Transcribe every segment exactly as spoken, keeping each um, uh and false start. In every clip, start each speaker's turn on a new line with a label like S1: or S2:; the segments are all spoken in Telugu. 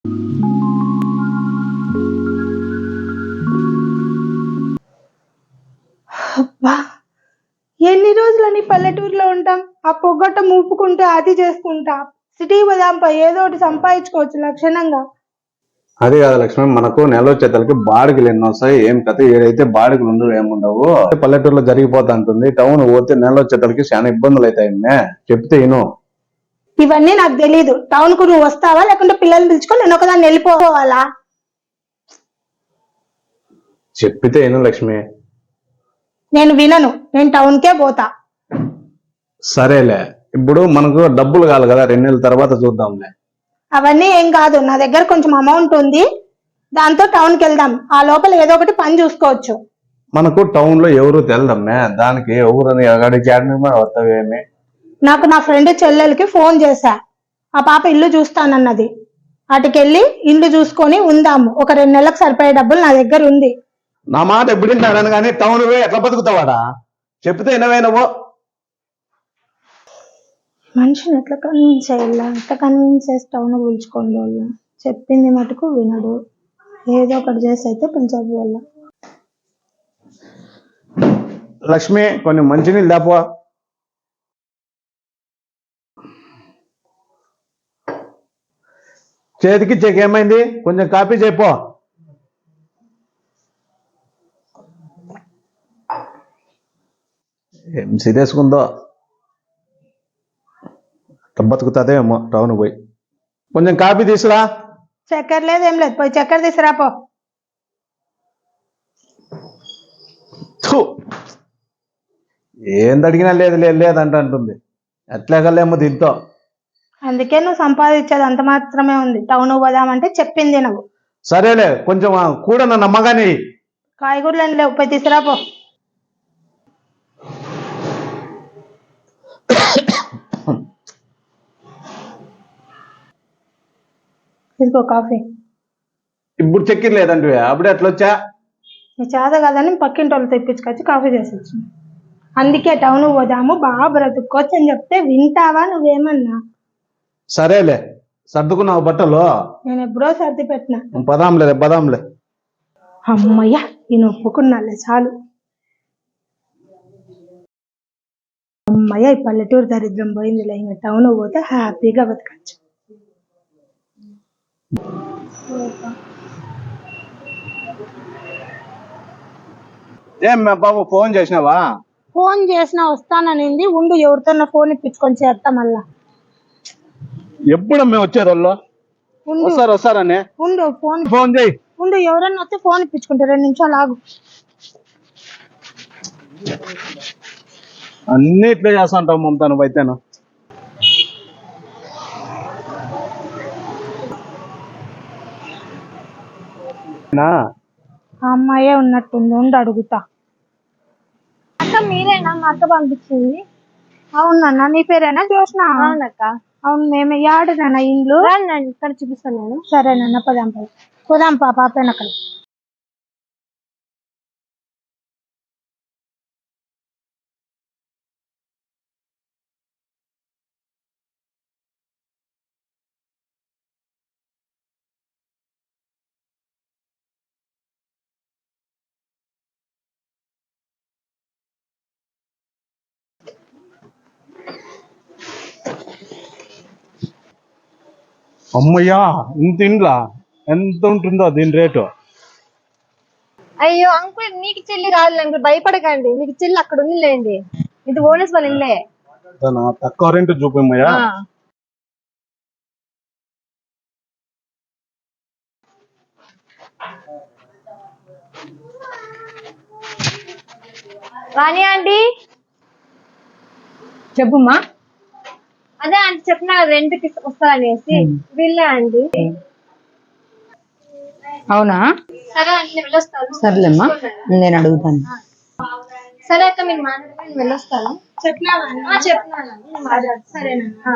S1: అబ్బా, ఎన్ని రోజులని పల్లెటూరులో ఉంటాం. ఆ పొగట్ట మూపుకుంటే అది చేసుకుంటా. సిటీ పోదాంపా, ఏదో ఒకటి సంపాదించుకోవచ్చు లక్షణంగా.
S2: అది కాదు లక్ష్మి, మనకు నెల వచ్చేతలకి బాడిగలు ఎన్ని వస్తాయి, ఏం కథ. ఏదైతే బాడిగలు ఉండవు ఏముండవు, పల్లెటూరులో జరిగిపోతా ఉంటుంది. టౌన్ పోతే నెల వచ్చేతలకి చాలా ఇబ్బందులు అవుతాయి. చెప్తే ఇను.
S1: ఇవన్నీ నాకు తెలీదు. టౌన్ కు నువ్వు వస్తావా, లేకుంటే పిల్లల్ని పిలుచుకొని నేను ఒకదాన్ని వెళ్ళిపోవాలా?
S2: చెప్పితే ఇను లక్ష్మి.
S1: నేను వినను, నేను టౌన్ కే పోతా.
S2: సరేలే, ఇప్పుడు మనకు డబ్బులు కావాలి కదా, రెండు నెలల తర్వాత చూద్దాంలే.
S1: అవన్నీ ఏం కాదు, నా దగ్గర కొంచెం అమౌంట్ ఉంది, దాంతో టౌన్ కి వెళ్దాం. ఆ లోపల ఏదో ఒకటి పని చూసుకోవచ్చు.
S2: మనకు టౌన్ లో ఎవరు తెలదమ్మే, దానికి ఎవరని అడిగి వస్తావేమి.
S1: నాకు నా ఫ్రెండ్ చెల్లెలకి ఫోన్ చేశా, ఆ పాప ఇల్లు చూస్తానన్నది. అటుకెళ్ళి ఇల్లు చూసుకొని ఉందాము. ఒక రెండు నెలలకు సరిపోయే డబ్బులు నా దగ్గర ఉంది.
S2: నా మాట ఎప్పుడు వింటాడని కానీ టౌన్ పోయి ఎట్లా బతుకుతావాడా? చెప్తే వినవేనవో.
S1: మనిషిని ఎట్లా కన్విన్స్ అయ్యా, ఎట్లా కన్విన్స్ చేసి టౌన్ పిలుచుకోండి. వాళ్ళు చెప్పింది మటుకు వినడు. ఏదో ఒకటి చేసి అయితే పిలిచారు వాళ్ళ.
S2: లక్ష్మి, కొన్ని మంచినీళ్ళు దాపో. చేతికి చెక్ ఏమైంది, కొంచెం కాపీ చెప్పు. ఏం సిరేసుకుందో, బతుకుతుందేమో టౌన్ పోయి. కొంచెం కాపీ తీసురా.
S1: చక్కెర లేదు, ఏం లేదు, పోయి చక్కెర తీసుకురాపో.
S2: ఏంది అడిగినా లేదు లేదు లేదంట అంటుంది. ఎట్లాగలేమో దీంతో.
S1: అందుకే నువ్వు సంపాదించేది అంత మాత్రమే ఉంది. టౌన్ పోదామంటే చెప్పింది నువ్వు.
S2: సరేలే, కొంచెం కూడా నా నమ్మగాని.
S1: కాయగూరలు లేవు, పోయి తీసుకురాపో. తీసుకో కాఫీ.
S2: ఇప్పుడు చక్కెర లేదంటే అప్పుడే ఎట్లా వచ్చా?
S1: నీ చేత కదని పక్కింటి వాళ్ళు తెప్పించుకొచ్చి కాఫీ చేసి వచ్చింది. అందుకే టౌన్ పోదాము, బాగా బ్రతుక్కోవచ్చు అని చెప్తే వింటావా నువ్వేమన్నా?
S2: సరేలే, సర్దుకున్నావు బట్టలు?
S1: నేను ఎప్పుడో సర్ది పెట్టినా.
S2: పదాంలే పదాంలే.
S1: అమ్మయ్యా, నేను ఒప్పుకున్నాలే చాలు. అమ్మయ్య, ఈ పల్లెటూరు దరిద్రం పోయిందిలే. ఇంకా టౌన్ పోతే హ్యాపీగా బతకచ్చు.
S2: ఏం బాబు, ఫోన్ చేసినావా?
S1: ఫోన్ చేసినా వస్తాననింది. ఉండు, ఎవరితో ఫోన్ ఇప్పించుకొని చేస్తా మళ్ళా.
S2: ఎప్పుడు మేము వచ్చేది వాళ్ళు వస్తారు వస్తారని.
S1: ఉండు, ఫోన్
S2: ఫోన్ చేయి.
S1: ఉండు, ఎవరన్నా వస్తే ఫోన్ ఇప్పించుకుంటా. రెండు నిమిషాలు ఆగు.
S2: అన్ని ఇట్లే చేస్తాంటావు మమతా నువ్వు అయితేను.
S1: అమ్మాయే ఉన్నట్టుంది, ఉండి అడుగుతా.
S3: అక్క మీరేనా? మా అక్క పంపించింది.
S1: అవునన్నా, నీ పేరేనా జోష్నా?
S3: అవునక్క.
S1: అవును, మేము యాడనా ఇండ్లు?
S3: ఇక్కడ చూపిస్తాను నేను.
S1: సరేనన్న, పదాం పద పోదాం. పా పాపేన అక్కడ.
S2: అమ్మయ్యా, ఇంత ఇండ్లా ఎంత ఉంటుందో దీని రేటు?
S3: అయ్యో అంకుల్, నీకు చెల్లి రాదు అంకుల్, భయపడకండి. మీకు చెల్లి అక్కడ ఉంది లేండి. ఇది ఓనర్స్ వాళ్ళ ఇల్లే.
S2: తక్కువ రెంట్ చూపమ్మయ్యా.
S3: రాణి ఆంటీ,
S4: చెప్పుమ్మా.
S3: అదే ఆంటీ చెప్పినా రెంట్ కి వస్తారనేసి. వీళ్ళే ఆంటీ.
S4: అవునా,
S3: సరే ఆంటీ, నేను వెళ్ళొస్తాను.
S4: సర్లేమ్మా, నేను అడుగుతాను.
S3: సరే అక్క, మీరు మాట్లాడుకుని నేను వెళ్ళొస్తాను. చెప్పినా చెప్పినా. సరేనా?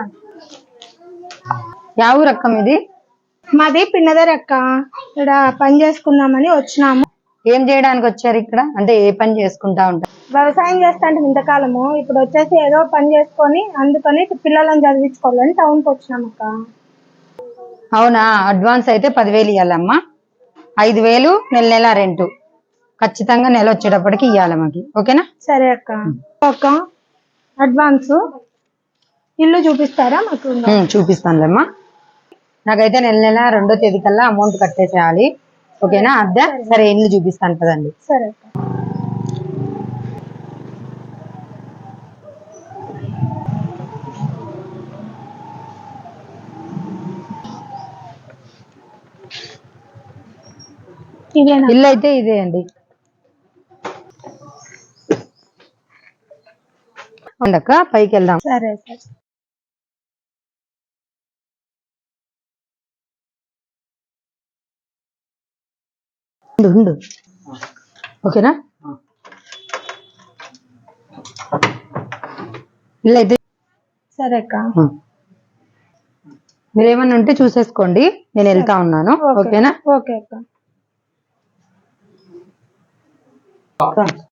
S4: యా ఊరు అక్క మీది?
S1: మాది పిన్నదర్ అక్క. ఇక్కడ పని చేసుకుందామని వచ్చినాము.
S4: ఏం చేయడానికి వచ్చారు ఇక్కడ? అంటే ఏ పని చేసుకుంటా ఉంటారు?
S1: వ్యవసాయం చేస్తా అంటే ఇంతకాలము, ఇప్పుడు వచ్చేసి ఏదో పని చేసుకొని అందుకని పిల్లలను చదివించుకోవాలని టౌన్ కి వచ్చినాం అక్క.
S4: అవునా, అడ్వాన్స్ అయితే పదివేలు ఇవ్వాలమ్మా, ఐదు వేలు నెల నెల రెంట్ ఖచ్చితంగా నెల వచ్చేటప్పటికి ఇవ్వాలి మాకి, ఓకేనా?
S1: సరే అక్క. అక్క అడ్వాన్స్ ఇల్లు చూపిస్తారా మాకు?
S4: ఉమ్, చూపిస్తానులేమ్మా. నాకైతే నెల నెల రెండో తేదీ కల్లా అమౌంట్ కట్టేసేయాలి, ఓకేనా? అద్దె సరే, ఇల్లు చూపిస్తాను కదండి.
S1: సరే అక్క. ఇదేనా?
S4: ఇల్లు అయితే ఇదే అండి. ఉండక్క పైకి వెళ్దాం.
S1: సరే సరే.
S4: ఉండు, ఉండు. ఓకేనా? ఇల్లు అయితే
S1: సరే అక్క.
S4: మీరేమన్నా ఉంటే చూసేసుకోండి, నేను వెళ్తా ఉన్నాను, ఓకేనా?
S1: ఓకే అక్క.